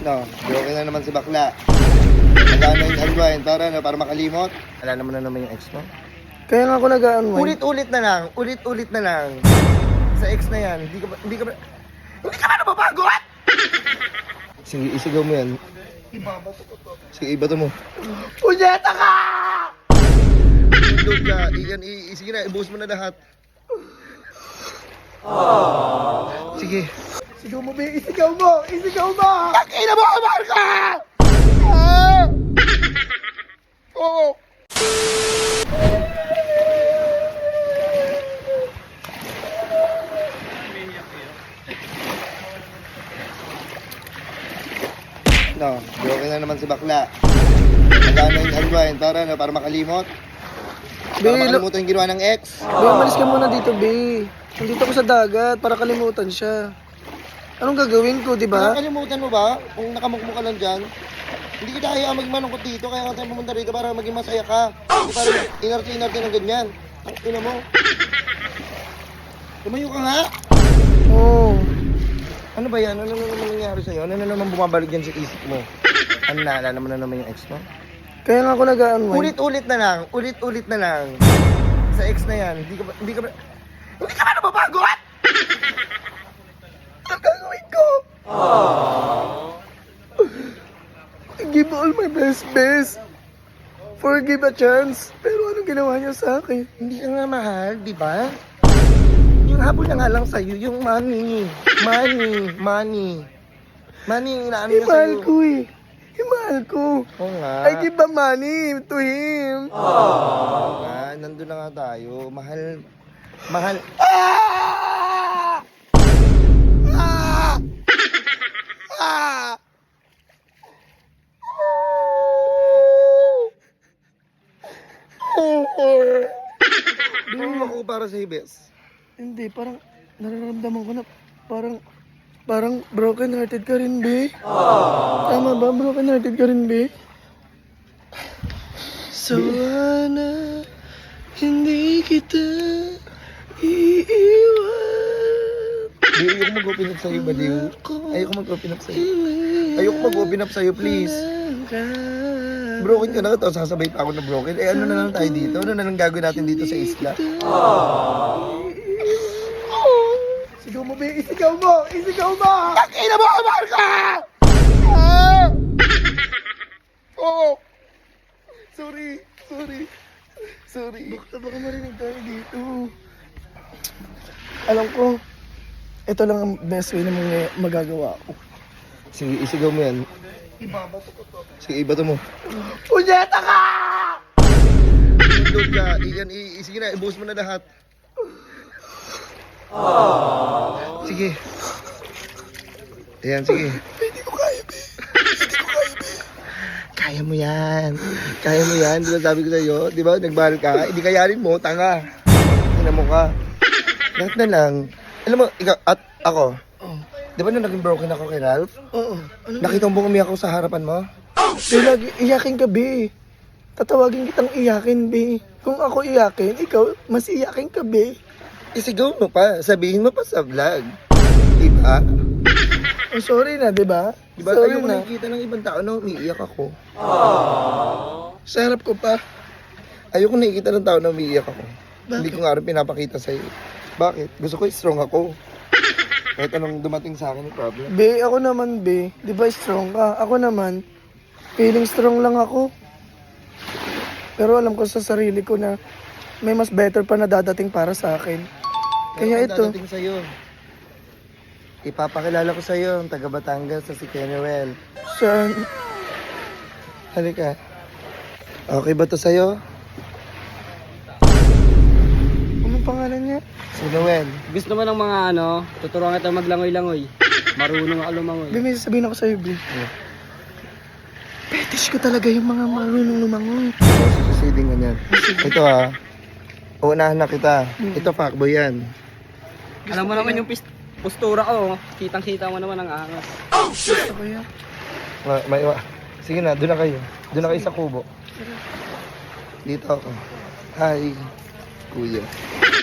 No, broken na naman si bakla. Magana yung unwind para makalimot. Alala mo na naman yung ex mo? Kaya nga ako nag-unwind. Ulit-ulit na lang, ulit-ulit na lang. Sa ex na yan, hindi ka ba nababagot? Sige, isigaw mo yan. Sige, ibato mo. Punyeta ka! Load ka, sige na, ibuhos mo na lahat. Sige. Isigaw mo, be. Isigaw mo! Isigaw mo! Takina mo, kamahal ka! Ah! Oo. No, broken na naman si bakla. Magana yung unwind para makalimot. Para makalimutan yung ginawa ng ex. Be, umalis ka muna dito, be. Nandito ako sa dagat para kalimutan siya. Anong gagawin ko, di ba? Nakakalimutan mo ba? Kung nakamukmo ka lang dyan, hindi kita kaya maging malungkot dito, kaya ka tayo pumunta rito para maging masaya ka. Hindi para inarte-inarte ng ganyan. Ang ina mo. Tumayo ka nga. Oo. Ano ba yan? Ano naman nangyari sa'yo? Ano na naman bumabalik dyan sa isip mo? Ano naalala mo na naman yung ex mo? Kaya nga ako nag-unwind. Ulit-ulit na lang. Ulit-ulit na lang. Sa ex na yan, hindi ka ba nababagot? Ang gagawin ko? I give all my best. Forgive a chance. Pero anong ginawa niya sa akin? Hindi ka nga mahal, di ba? Yung habol na nga lang sa'yo, yung money. Money yung inaano niya Imahal sa'yo. ko eh. Imahal ko. Oo nga. I give the money to him. Oo nga, nandun na nga tayo. Mahal. Ah! Ah! Ah! Ano ako para sa hibes? Hindi, parang nararamdaman ko na parang broken hearted ka rin, be. Tama ba? Broken hearted ka rin, be. Sana hindi kita iiwan. Di, ayoko mag-open up sa'yo, baliw. Ayoko mag-open up sa'yo. Ayoko mag-open up sa'yo, please. Broken ka na, tapos sasabay pa ako na broken. Eh, ano na lang tayo dito? Ano na lang gagawin natin dito sa isla? Isigaw mo, be. Isigaw mo! Isigaw mo! Takina mo, kamahal ka! Ah! Oo. Sorry. Baka marinig tayo dito. Alam ko, ito lang ang best way na magagawa ko. Sige, isigaw mo yan. Sige, ibato mo. Punyeta ka! Load ka, sige na, ibuhos mo na lahat. Sige. Ayan, sige. Hindi ko kaya, be. Kaya mo yan. Di ba sabi ko sa'yo? Di ba, nagmahal ka? Hindi kayanin mo, tanga. Tingnan mo ka. Lahat na lang. Alam mo, ikaw at ako. Oh. Di ba nung naging broken ako kay Ralph? Oo. Ano Nakita mo bang umiyak ako sa harapan mo? Be, lagi iyakin ka, be. Tatawagin kitang iyakin, be. Kung ako iyakin, ikaw, mas iyakin ka, be. Isigaw mo pa. Sabihin mo pa sa vlog. Diba? Oh, sorry na, di ba? Diba? Sorry Ayoko na. nakikita ng ibang tao na umiiyak ako. Sa harap ko pa. Ayoko nakikita ng tao na umiiyak ako. Bakit? Hindi ko nga rin pinapakita sa'yo. Bakit? Gusto ko strong ako. Kahit anong dumating sa akin yung problem. Be, ako naman, be. Di ba strong ka? Ako naman, feeling strong lang ako. Pero alam ko sa sarili ko na may mas better pa na dadating para sa akin. Kaya Ano ito, dadating sa'yo? Ipapakilala ko sa'yo ang taga Batangas sa si Kenuel. saan? Halika. Okay ba to sa'yo? Anong pangalan niya? Si Noel. Gusto mo ng mga tuturuan kita maglangoy-langoy. Marunong ka lumangoy. Be, may sasabihin ako sa'yo, be. Fetish ko talaga yung mga marunong lumangoy. Sususiding ka niyan. Ito uunahan na kita. Ito fuckboy yan. Alam mo naman yung postura ko. Kitang-kita mo naman ang angas. Gusto ko yan. Sige na, doon na kayo. Doon na kayo sa kubo. Dito ako. Hi, kuya.